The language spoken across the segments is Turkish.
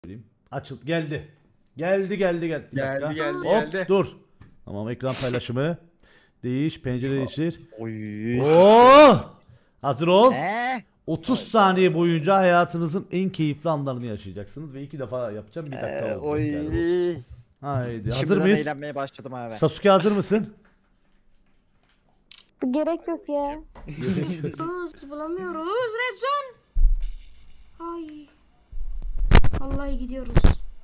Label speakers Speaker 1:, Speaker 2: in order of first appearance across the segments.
Speaker 1: Açıl geldi. Geldi. Bir dakika. Hop
Speaker 2: geldi.
Speaker 1: dur. Tamam ekran paylaşımı. Değiş pencere değiştir.
Speaker 2: Oy.
Speaker 1: Oo! Hazır ol. 30
Speaker 3: Hayda.
Speaker 1: saniye boyunca hayatınızın en keyifli anlarını yaşayacaksınız ve 2 defa yapacağım. 1 dakika oldu.
Speaker 3: Oy.
Speaker 1: Yani bu. Haydi. Hazır
Speaker 3: Şimdiden
Speaker 1: mıyız?
Speaker 3: eğlenmeye başladım abi.
Speaker 1: Sasuke hazır mısın?
Speaker 4: Gerek yok ya.
Speaker 5: Bulamıyoruz. Red zone. Ay. Vallahi gidiyoruz.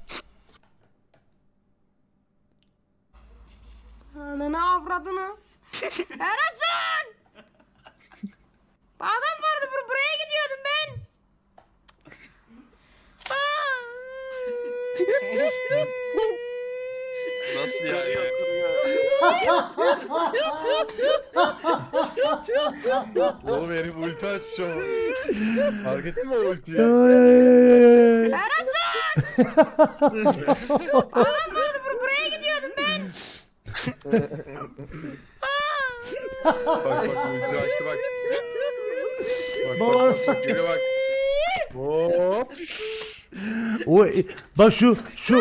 Speaker 5: Ananı avradını. Red zone. Adam vardı buraya gidiyordum ben.
Speaker 6: Nasıl yani?
Speaker 2: Oğlum herif ulti açmış ama. Fark ettin mi o ultiyi?
Speaker 5: Red zone. Adam vardı buraya gidiyordum ben.
Speaker 2: Bak ulti açtı bak. Bak geri bak. Hop.
Speaker 1: O bak şu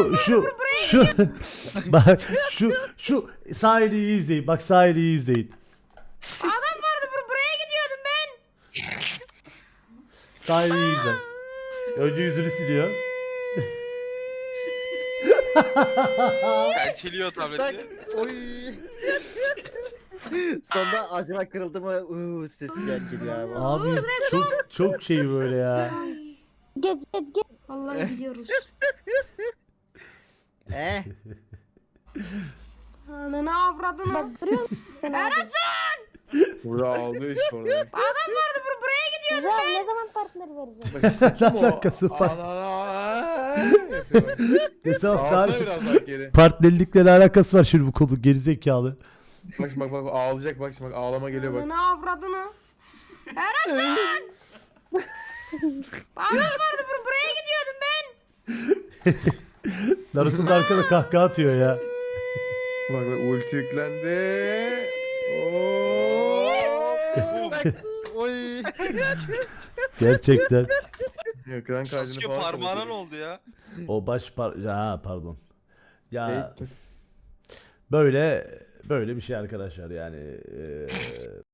Speaker 1: bak şu sahili iyi izleyin. Bak sahili iyi izleyin.
Speaker 5: Adam vardı buraya gidiyordum ben.
Speaker 1: Sahili iyi izle. Önce yüzünü siliyor.
Speaker 6: Pençeliyor tableti.
Speaker 3: Oy. Sonunda acaba kırıldı mı? Sesi geliyor abi.
Speaker 1: Abi çok şey böyle ya.
Speaker 4: Geç.
Speaker 5: Vallahi gidiyoruz. Ananı avradını.
Speaker 4: Bak duruyor musun?
Speaker 5: Red
Speaker 2: Burada aldı iş orada.
Speaker 5: Adam vardı buraya gidiyordum.
Speaker 4: Güzel ne zaman partner vereceğim?
Speaker 2: Bak hissettin mi o?
Speaker 1: Alakası var.
Speaker 2: Yapıyor.
Speaker 1: Mesela
Speaker 2: Ağzına biraz daha geri.
Speaker 1: partnerlikle ne alakası var şimdi bu konu gerizekalı.
Speaker 2: Bak şimdi bak ağlayacak bak şimdi bak ağlama geliyor bak.
Speaker 5: Ananı avradını. Red zone. Adam vardı buraya gidiyordum ben.
Speaker 1: Naruto'nun arkada kahkaha atıyor ya.
Speaker 2: Bak ulti yüklendi.
Speaker 3: Oy.
Speaker 1: Gerçekten.
Speaker 2: Ekran kaydını
Speaker 6: Sasuke
Speaker 2: falan
Speaker 6: parmağına
Speaker 2: kapatıyor.
Speaker 6: ne oldu ya?
Speaker 1: O ha pardon. Ya
Speaker 2: Ne?
Speaker 1: böyle bir şey arkadaşlar yani